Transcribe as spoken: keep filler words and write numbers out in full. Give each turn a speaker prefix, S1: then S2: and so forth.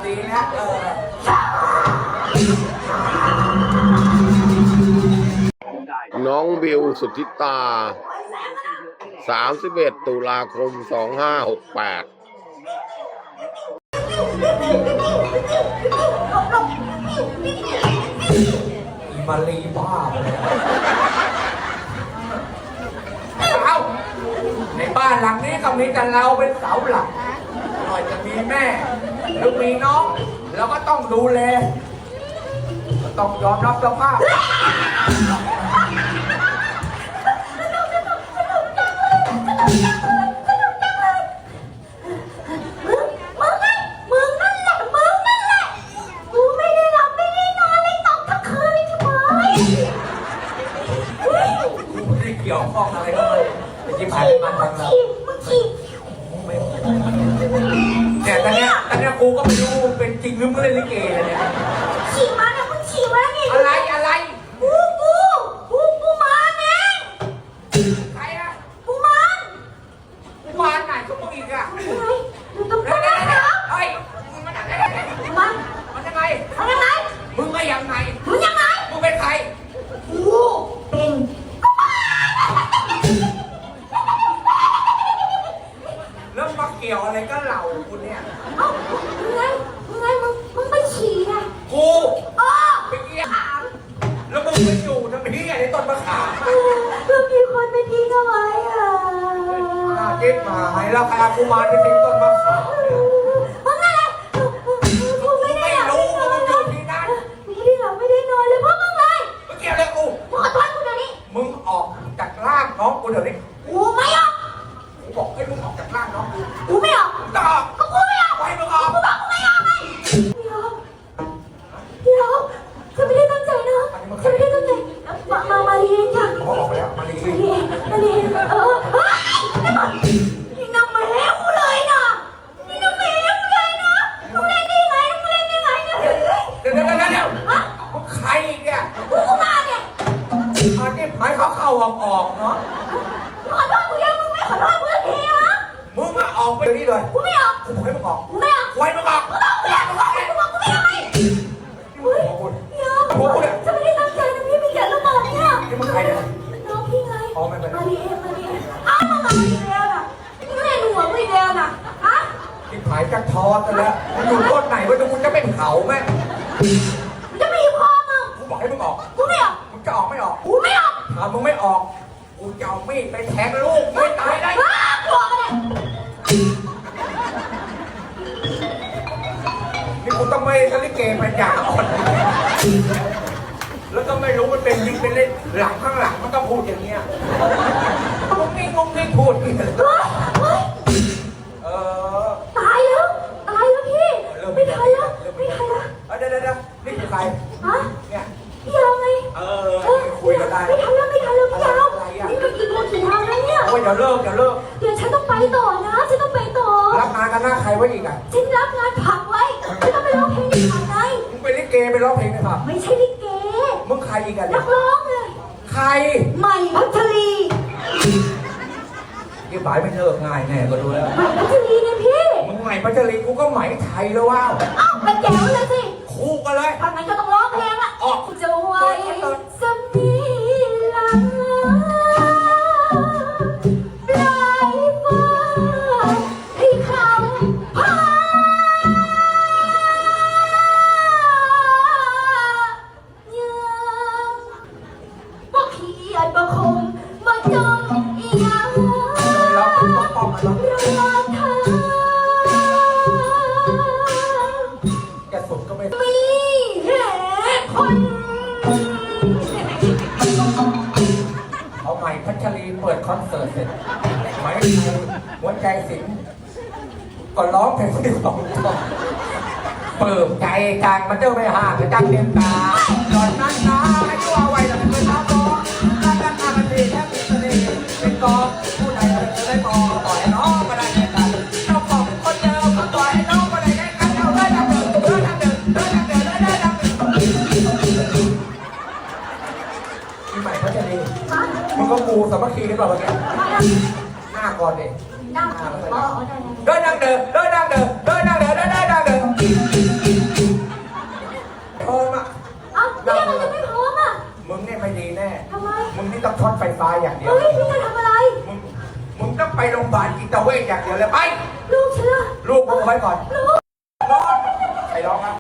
S1: ดีนะเออ
S2: น้องบิวสุทธิตาสามสิบเอ็ดตุลาคมสองห้าหกแปด
S1: มาลีบ้าเอ้าในบ้านหลังนี้ก็มีแต่เราเป็นเสาหลักหน่อยจะมีแม่หรือมีน้องเราก็ต้องดูแลก็ต้องยอมรับสภาพเกี่ยวข้องอะไรก็ไม่ที่ผ่านมาทางเราเนี่ยตอนเนี้ยตอนเนี้ยกูก็ไม่รู้เป็นจริงหรือไม่เล่นลิเกเลยเนี่ย
S3: ฉี่มาเนี่ยมึงฉี่มาเนี่ย
S1: อะไรอะไร
S3: กูกูกูกูมาเอง
S1: ใครอะ
S3: กูมัน
S1: กูมานไหนก็มึงอีกอะ
S3: อะไรอยู่ตรงนั้นเหรอ
S1: เฮ้ยมึงมันอะไร
S3: มัน
S1: มันยังไง
S3: มันยังไง
S1: มึงก็ยังไง
S3: มึงยังไง
S1: มึงเป็นใคร
S3: กูเป็น
S1: แล้วมาเกี่ยวอะไรก็เหล่ากูเนี่ย
S3: เอ้ามึงไงมึงไงมึงมึงไปฉี่ไง
S1: กู
S3: อ๋อ
S1: ไปเกี่ยวแล้วมึงไปอยู่ทำไมที่ในต้นมะขาม
S3: ก็มีคนไปทิ้งเอาไว้อ่ะ
S1: เก็บมาให้แล้วพากูมาที่ทิ้งต้นมะขาม
S3: มึงอะไรกูไม่ได้
S1: รู้มึงอยู่ที่นั่น
S3: ไม่ได้หลับไม่ได้นอนเลยเพราะมึงไง
S1: มึงเกี่ยวอะไรกู
S3: มึงขอโทษกูเดี๋ยวนี้
S1: มึงออกจากร่างน้องกูเดี๋ยวนี้
S3: กูไม่ออก
S1: กูบอกให้มึงออกจากร่างน้องกู
S3: กูไม่ออก
S1: จะออก
S3: ก็กูไม่ออก
S1: ให้มึงออก
S3: กูบอกกูไม่ออกไงเดี๋ยวเดี๋ยวจะไม่ได้ตั้งใจนะจะไม่ได้ตั้งใจมามามาเรียนจ้ะ
S1: เขาออกไปแล้วมาเรียน
S3: มาเรียนเออนี่น้ำมาแล้วกูเลยนะนี่น้ำมาแล้วกูเลยนะมึงเล่นได้ไงมึงเล่นได้ไงเนี่ย
S1: เดี๋ยวเดี๋ยวเดี๋ยวเดี๋ยวมึงใครเนี่ย
S3: กูก็มาเนี่ย
S1: อันนี้หมายเขาเข้าออกออกเนาะ
S3: ขอโทษกูยังมึงไม่ขอโทษกูทีวะ
S1: มึงมาออกไปเดี๋ยวนี้เลย
S3: กูไม่ออก
S1: กูบอกให้มึงออก
S3: กูไม่ออก
S1: ไว้มึงออก
S3: กูต้องกูอยากกูบอกกูบอกกูไม่ออกไงเฮ้ยเดี๋ยวจะไม่ได้ตั้งใจนะพี่ไม่เขียนแล้วบอกเนี่ย
S1: นี่มึงใครเนี่ย
S3: น้องพี่ไง
S1: อ๋อไม่เป็น
S3: มาดีเอ็มมาดีเอ็มอ้าวมาดีเอ็มน่ะนี่ก็เล่นหัวไม่เดียวน่ะฮะ
S1: ที่ผายจะทอดกันแล้วมึงอยู่ต้นไหนวะมึงจะเป็นเขาไหม
S3: จะไม่อยู่พ่อมึง
S1: กูบอกให้มึงออก
S3: กูไม่ออก
S1: มึงจะออกไม่ออก
S3: กูไม่ออก
S1: ถ้ามึงไม่ออกกูจะเอามีดไปแทงลูกไม่ตายได้
S3: กลัวกันเลย
S1: นี่กูต้องไม่ทะเลเกมปัญญาอ่อนแล้วก็ไม่รู้มันเป็นจริงเป็นเล่นหลังข้างหลังมันก็พูดอย่างเงี้ยงงงี้งงงี้พูดเออ
S3: ตายแล้วตายแล้วพี่ไม่ทันแล้วไม่ทันแล้ว
S1: เดี๋ยวเดี๋ยวเดี๋ยวนี่คือใคร
S3: ฮะ
S1: เนี่ย
S3: พี่ยาวไง
S1: เออคุยกันได้
S3: ไม่ทันแล้วไม่ทันแล้วพี่ยาวนี่มันกี่โมงกี่ทางแล้วเนี่ย
S1: โอ้ยเดี๋ยวเลิกเดี๋ยวเลิก
S3: เดี๋ยวฉันต้องไปต่อนะฉันต้องไปต่อ
S1: รับงานกันหน้าใครไว้อีกอ่ะ
S3: ฉันรับงานผักไว้ฉันต้องไปร้องเพลงในผักไง
S1: มึงไปลิเกไปร้องเพลงนะครับ
S3: ไม่ใช่ลิเก
S1: มึงใครอีกอ่ะ
S3: นักร้องเลย
S1: ใคร
S3: ใหม่พัชรี
S1: ยี่บ่ายไม่เลิกง่ายแน่ก็ดูแล้ว
S3: ใหม่พัชรีเนี่ยพี่
S1: มึงใหม่พัชรีกูก็ใหม่ไทยแล้วว้าว
S3: อ้าวไปแจ๋วเลยสิ
S1: คู่กันเลย
S3: ทำไมก็ต้องร้องเพลงอ่ะ
S1: ออก
S3: จะไว้สมีหลังปลายฟ้าที่คำพาบ่เขียนบ่คงบ่จงอีหยัง
S1: เราเป็นป้องป้องกัน
S3: รอเธอ
S1: แกสุดก็ไม่
S3: มีเหตุผล
S1: เอาใหม่พัชรีเปิดคอนเสิร์ตเสร็จไหมหัวใจสิงก็ร้องเพลงที่สองเปิดใจกลางมันเจ้าไม่ห่างจังเดียนตาหล่อนนั้นนะให้ตัวไว้หลังเป็นน้ำร้อนนั่นนั่นนั่นมันดีแค่ติดเสน่ห์เป็นกองผู้ใดจะได้กองต่อยน้องมาได้กันเจ้าของคนเดิมก็ต่อยน้องมาได้กันเอาได้ดังเดิมได้ดังเดิมได้ดังเดิมได้ดังเดิมมีใหม่พัชรีมึงก็กูสามัคคีกันเปล่าเมื่อกี้หน้าก่อนดิ
S3: นั่งอ๋อได้
S1: ได้ดังเดิมได้ดังเดิมได้ดังเดิมได้ดังเดิมนี้ต้องช็อตไฟฟ้าอย่างเดียว
S3: เฮ้ยพี่จะทำอะไร
S1: มึงมึงต้องไปโรงพยาบาลจิตเวชอย่างเดียวเลยไป
S3: ลูกฉันล่ะ
S1: ลูกมึงไว้ก่อน
S3: ลูก
S1: ร้องใครร้องครับ